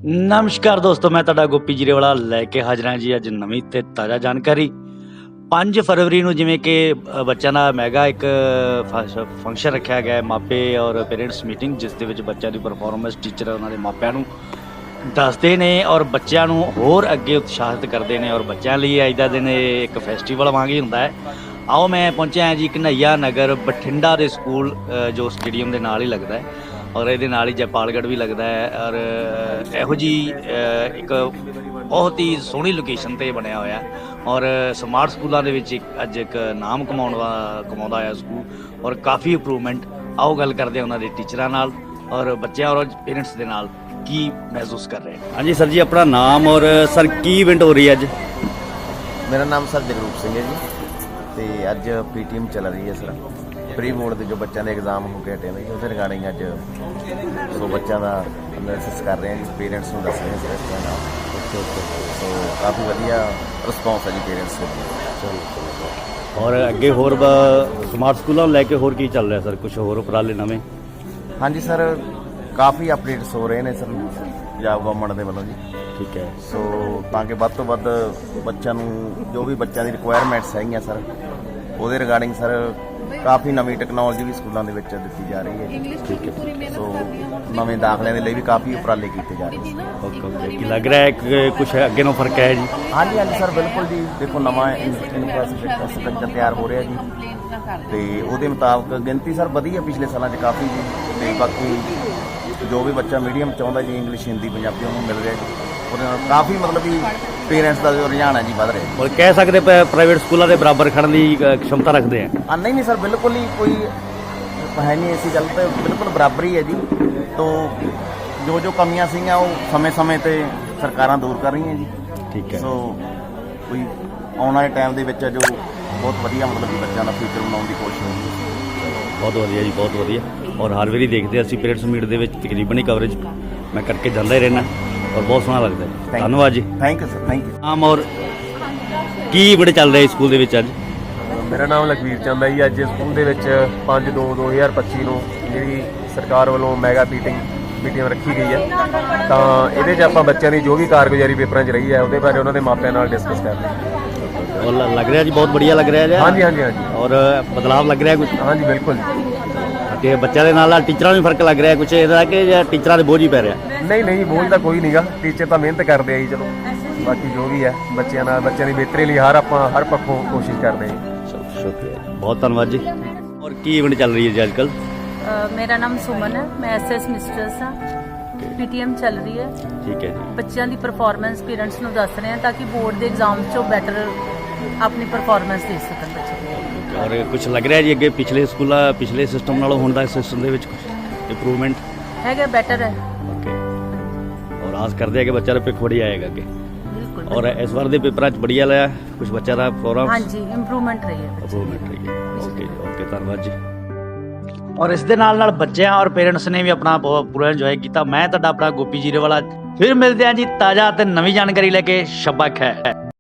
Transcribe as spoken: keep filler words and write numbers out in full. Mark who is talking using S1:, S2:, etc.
S1: ਨਮਸਕਾਰ ਦੋਸਤੋ, ਮੈਂ ਤੁਹਾਡਾ ਗੋਪੀ ਜੀਰੇਵਾਲਾ ਲੈ ਕੇ ਹਾਜ਼ਰ ਹਾਂ ਜੀ ਅੱਜ ਨਵੀਂ ਤੇ ਤਾਜ਼ਾ ਜਾਣਕਾਰੀ। ਪੰਜ ਫਰਵਰੀ ਨੂੰ ਜਿਵੇਂ ਕਿ ਅ, ਬੱਚਿਆਂ ਦਾ ਮੈਗਾ ਇੱਕ ਫੰਕਸ਼ਨ ਰੱਖਿਆ ਗਿਆ ਹੈ, ਮਾਪੇ ਔਰ ਪੇਰੈਂਟਸ ਮੀਟਿੰਗ, ਜਿਸ ਦੇ ਵਿੱਚ ਬੱਚਿਆਂ ਦੀ ਪਰਫਾਰਮੈਂਸ ਟੀਚਰ ਉਹਨਾਂ ਦੇ ਮਾਪਿਆਂ ਨੂੰ ਦੱਸਦੇ ਨੇ ਔਰ ਬੱਚਿਆਂ ਨੂੰ ਹੋਰ ਅੱਗੇ ਉਤਸ਼ਾਹਿਤ ਕਰਦੇ ਨੇ। ਔਰ ਬੱਚਿਆਂ ਲਈ ਅੱਜ ਦਾ ਦਿਨ ਇਹ ਇੱਕ ਫੈਸਟੀਵਲ ਵਾਂਗ ਹੀ ਹੁੰਦਾ ਹੈ। ਆਓ ਮੈਂ ਪਹੁੰਚਿਆ ਜੀ ਘਨਈਆ ਨਗਰ ਬਠਿੰਡਾ ਦੇ ਸਕੂਲ, ਅ, ਜੋ ਸਟੇਡੀਅਮ ਦੇ ਨਾਲ ਹੀ ਲੱਗਦਾ ਹੈ ਔਰ ਇਹਦੇ ਨਾਲ ਹੀ ਜੈਪਾਲਗੜ੍ਹ ਵੀ ਲੱਗਦਾ ਹੈ। ਔਰ ਇਹੋ ਜਿਹੀ ਅ, ਇੱਕ ਬਹੁਤ ਹੀ ਸੋਹਣੀ ਲੋਕੇਸ਼ਨ 'ਤੇ ਬਣਿਆ ਹੋਇਆ ਔਰ ਸਮਾਰਟ ਸਕੂਲਾਂ ਦੇ ਵਿੱਚ ਇੱਕ ਅੱਜ ਇੱਕ ਨਾਮ ਕਮਾਉਣ ਦਾ ਕਮਾਉਂਦਾ ਹੋਇਆ ਸਕੂਲ ਔਰ ਕਾਫੀ ਇੰਪਰੂਵਮੈਂਟ। ਆਓ ਗੱਲ ਕਰਦੇ ਹਾਂ ਉਹਨਾਂ ਦੇ ਟੀਚਰਾਂ ਨਾਲ ਔਰ ਬੱਚਿਆਂ ਔਰ ਪੇਰੈਂਟਸ ਦੇ ਨਾਲ ਕੀ ਮਹਿਸੂਸ ਕਰ ਰਹੇ। ਹਾਂਜੀ ਸਰ ਜੀ, ਆਪਣਾ ਨਾਮ ਔਰ ਸਰ ਕੀ ਇਵੈਂਟ ਹੋ ਰਹੀ ਹੈ ਅੱਜ?
S2: मेरा नाम सर जगरूप सिंह है जी। तो अज पी टी एम चल रही है सर, प्री बोर्ड के जो बच्चों के एग्जाम हो के हटे ने उस रिगार्डिंग अज सो बच्चों का एनालिसिस कर रहे हैं जी, पेरेंट्स को दस रहे हैं सर इस तरह। सो काफ़ी वधिया रिस्पॉन्स है जी पेरेंट्स को।
S1: और ਅੱਗੇ ਹੋਰ ਸਮਾਰਟ ਸਕੂਲਾਂ ਨੂੰ ਲੈ ਕੇ ਹੋਰ ਕੀ ਚੱਲ ਰਿਹਾ ਸਰ? ਕੁਝ ਹੋਰ ਉਪਰਾਲੇ ਨਵੇਂ?
S2: हाँ जी सर, काफ़ी अपडेट्स हो रहे हैं सर पंजाब गवर्नमेंट के वालों जी।
S1: ਠੀਕ ਹੈ।
S2: सो ताकि ਵੱਧ ਤੋਂ ਵੱਧ ਬੱਚਿਆਂ ਨੂੰ ਜੋ ਵੀ ਬੱਚਿਆਂ ਦੀ ਰਿਕੁਆਇਰਮੈਂਟਸ ਹੈਗੀਆਂ ਸਰ ਉਹਦੇ ਰਿਗਾਰਡਿੰਗ ਸਰ ਕਾਫੀ ਨਵੀਂ ਟੈਕਨੋਲੋਜੀ ਵੀ ਸਕੂਲਾਂ ਦੇ ਵਿੱਚ ਦਿੱਤੀ ਜਾ ਰਹੀ ਹੈ।
S1: ਠੀਕ ਹੈ।
S2: ਸੋ ਨਵੇਂ ਦਾਖਲਿਆਂ ਦੇ ਲਈ ਵੀ ਕਾਫੀ ਉਪਰਾਲੇ ਕੀਤੇ ਜਾ ਰਹੇ ਨੇ।
S1: ਓਕੇ ਓਕੇ, ਕੀ ਲੱਗ ਰਿਹਾ ਹੈ ਕਿ ਕੁਝ ਅੱਗੇ ਨੂੰ ਫਰਕ ਹੈ ਜੀ?
S2: ਹਾਂਜੀ ਹਾਂਜੀ ਸਰ, ਬਿਲਕੁਲ ਜੀ। ਦੇਖੋ ਨਵਾਂ ਇਨਫਰਾਸਟ੍ਰਕਚਰ ਤਿਆਰ ਹੋ ਰਿਹਾ ਜੀ ਤੇ ਉਹਦੇ ਮੁਤਾਬਕ ਗਿਣਤੀ ਸਰ ਵਧੀਆ ਪਿਛਲੇ ਸਾਲਾਂ 'ਚ ਕਾਫੀ ਜੀ। ਤੇ ਬਾਕੀ ਜੋ ਵੀ ਬੱਚਾ ਮੀਡੀਅਮ ਚਾਹੁੰਦਾ ਜੀ, ਇੰਗਲਿਸ਼ ਹਿੰਦੀ ਪੰਜਾਬੀ ਉਹਨੂੰ ਮਿਲ ਰਿਹਾ ਜੀ। ਉਹਦੇ ਨਾਲ ਕਾਫੀ ਮਤਲਬ ਵੀ ਪੇਰੈਂਟਸ ਦਾ ਜੋ ਰੁਝਾਨ ਹੈ ਜੀ ਵੱਧ ਰਿਹਾ।
S1: ਔਰ ਕਹਿ ਸਕਦੇ ਪ੍ਰਾਈਵੇਟ ਸਕੂਲਾਂ ਦੇ ਬਰਾਬਰ ਖੜਨ ਦੀ ਅ, क्षमता ਰੱਖਦੇ ਆ?
S2: ਆ ਨਹੀਂ ਨਹੀਂ ਸਰ, ਬਿਲਕੁਲ ਹੀ ਕੋਈ ਹੈ ਨਹੀਂ ਐਸੀ ਗੱਲ, ਤਾਂ ਬਿਲਕੁਲ ਬਰਾਬਰ ਹੀ ਹੈ ਜੀ। ਤੋਂ ਜੋ ਜੋ ਕਮੀਆਂ ਸੀਗੀਆਂ ਉਹ ਸਮੇਂ-ਸਮੇਂ ਤੇ ਸਰਕਾਰਾਂ ਦੂਰ ਕਰ ਰਹੀਆਂ ਜੀ।
S1: ਠੀਕ ਹੈ।
S2: ਸੋ ਕੋਈ ਆਉਣ ਵਾਲੇ ਟਾਈਮ ਦੇ ਵਿੱਚ ਜੋ ਬਹੁਤ ਵਧੀਆ ਮਤਲਬ ਕਿ ਬੱਚਿਆਂ ਦਾ ਫਿਊਚਰ ਬਣਾਉਣ ਦੀ ਕੋਸ਼ਿਸ਼ ਹੋਊਗੀ।
S1: ਬਹੁਤ ਵਧੀਆ ਜੀ, ਬਹੁਤ ਵਧੀਆ। ਔਰ ਹਰ ਵਾਰੀ ਦੇਖਦੇ ਅਸੀਂ ਪੇਰੈਂਟਸ ਮੀਟ ਦੇ ਵਿੱਚ ਤਕਰੀਬਨ ਹੀ ਕਵਰੇਜ ਮੈਂ ਕਰਕੇ ਜਾਂਦਾ ਹੀ ਰਹਿਣਾ ਔਰ ਬਹੁਤ ਸੋਹਣਾ ਲੱਗਦਾ ਹੈ। ਧੰਨਵਾਦ ਜੀ।
S2: Thank you sir, thank you.
S1: ਆਮ ਔਰ ਕੀ ਬੜੇ ਚੱਲ ਰਹੇ ਸਕੂਲ ਦੇ ਵਿੱਚ ਅੱਜ?
S3: ਮੇਰਾ ਨਾਮ ਲਖਵੀਰ ਚੰਦ ਹੈ ਜੀ। ਅੱਜ ਸਕੂਲ ਦੇ ਵਿੱਚ ਪੰਜ ਦੋ ਦੋ ਹਜ਼ਾਰ ਪੱਚੀ ਨੂੰ ਜਿਹੜੀ ਸਰਕਾਰ ਵੱਲੋਂ ਮੈਗਾ ਮੀਟਿੰਗ ਮੀਟਿੰਗ ਰੱਖੀ ਗਈ ਹੈ, ਤਾਂ ਇਹਦੇ 'ਚ ਆਪਾਂ ਬੱਚਿਆਂ ਦੀ ਜੋ ਵੀ ਕਾਰਗੁਜ਼ਾਰੀ ਪੇਪਰਾਂ 'ਚ ਰਹੀ ਹੈ ਉਹਦੇ ਬਾਰੇ ਉਹਨਾਂ ਦੇ ਮਾਪਿਆਂ ਨਾਲ ਡਿਸਕਸ ਕਰ ਰਹੇ ਹਾਂ।
S1: ਔਰ ਲ- ਲੱਗ ਰਿਹਾ ਜੀ ਬਹੁਤ ਵਧੀਆ ਲੱਗ ਰਿਹਾ ਜੀ।
S3: ਹਾਂਜੀ ਹਾਂਜੀ ਹਾਂਜੀ
S1: ਔਰ ਬਦਲਾਵ ਲੱਗ ਰਿਹਾ ਕੁਝ
S3: ਹਾਂਜੀ ਬਿਲਕੁਲ।
S1: ਕਿ ਬੱਚਿਆਂ ਦੇ ਨਾਲ ਨਾਲ ਟੀਚਰਾਂ ਨੂੰ ਵੀ ਫਰਕ ਲੱਗ ਰਿਹਾ ਕੁਝ ਇਹਦਾ ਕਿ ਜਾਂ ਟੀਚਰਾਂ ਦੇ ਬੋਝ ਹੀ ਪੈ ਰਿਹਾ?
S3: ਨਹੀਂ ਨਹੀਂ, ਬੋਝ ਤਾਂ ਕੋਈ ਨਹੀਂਗਾ। ਟੀਚਰ ਤਾਂ ਮਿਹਨਤ ਕਰਦੇ ਆ ਜੀ। ਚਲੋ ਬਾਕੀ ਜੋ ਵੀ ਹੈ ਬੱਚਿਆਂ ਨਾਲ ਬੱਚਿਆਂ ਦੀ ਬਿਹਤਰੀ ਲਈ ਹਰ ਆਪਾਂ ਹਰ ਪੱਖੋਂ ਕੋਸ਼ਿਸ਼ ਕਰਦੇ ਹਾਂ।
S1: ਚਲੋ ਸ਼ੁਕਰੀਆ ਜੀ, ਬਹੁਤ ਧੰਨਵਾਦ ਜੀ। ਔਰ ਕੀ ਇਵੈਂਟ ਚੱਲ ਰਹੀ ਹੈ ਜੀ ਅੱਜ ਕੱਲ੍ਹ?
S4: ਅ, ਮੇਰਾ ਨਾਮ ਸੁਮਨ ਹੈ, ਮੈਂ ਐਸ ਐਸ ਮਿਸਟਰਸ ਹਾਂ। ਪੀਟੀਐਮ ਚੱਲ ਰਹੀ ਹੈ।
S1: ਠੀਕ ਹੈ ਜੀ।
S4: ਬੱਚਿਆਂ ਦੀ ਪਰਫਾਰਮੈਂਸ ਪੇਰੈਂਟਸ ਨੂੰ ਦੱਸ ਰਹੇ ਹਾਂ ਤਾਂ ਕਿ ਬੋਰਡ ਦੇ ਐਗਜ਼ਾਮ 'ਚੋਂ ਬੈਟਰ ਆਪਣੀ ਪਰਫਾਰਮੈਂਸ ਦੇ ਸਕਣ ਬੱਚੇ।
S1: ਔਰ ਕੁਝ ਲੱਗ ਰਿਹਾ ਜੀ ਅੱਗੇ ਪਿਛਲੇ ਸਕੂਲਾਂ ਪਿਛਲੇ ਸਿਸਟਮ ਨਾਲੋਂ ਹੁਣ ਦਾ ਸਿਸਟਮ ਦੇ ਵਿੱਚ ਕੁਝ ਇੰਪਰੂਵਮੈਂਟ
S4: ਹੈਗਾ, ਬੈਟਰ ਹੈ।
S1: ਓਕੇ। ਔਰ ਆਸ ਕਰਦੇ ਆ ਕਿ ਬੱਚਾ ਦਾ ਭਵਿੱਖ ਵਧੀਆ ਆਏਗਾ ਅੱਗੇ।
S4: ਬਿਲਕੁਲ।
S1: ਔਰ ਇਸ ਵਾਰ ਦੇ ਪੇਪਰਾਂ 'ਚ ਬੜੀਆ ਲਿਆ ਕੁਝ ਬੱਚਾ ਦਾ ਪ੍ਰੋਗਰਾਮ?
S4: ਹਾਂਜੀ, ਇੰਪਰੂਵਮੈਂਟ ਰਹੀ ਹੈ।
S1: ਇੰਪਰੂਵਮੈਂਟ ਰਹੀ ਹੈ। ਓਕੇ ਜੀ, ਓਕੇ, ਧੰਨਵਾਦ ਜੀ। ਔਰ ਇਸ ਦੇ ਨਾਲ ਨਾਲ ਬੱਚਿਆਂ ਔਰ ਪੇਰੈਂਟਸ ਨੇ ਵੀ ਆਪਣਾ ਬਹੁਤ ਪੂਰਾ ਇੰਜੋਏ ਕੀਤਾ। ਮੈਂ ਤੁਹਾਡਾ ਆਪਣਾ ਗੋਪੀ ਜੀਰੇਵਾਲਾ, ਫਿਰ ਮਿਲਦੇ ਹਾਂ ਜੀ ਤਾਜ਼ਾ ਤੇ ਨਵੀਂ ਜਾਣਕਾਰੀ ਲੈ ਕੇ। ਸ਼ਬਾ ਖੈਰ।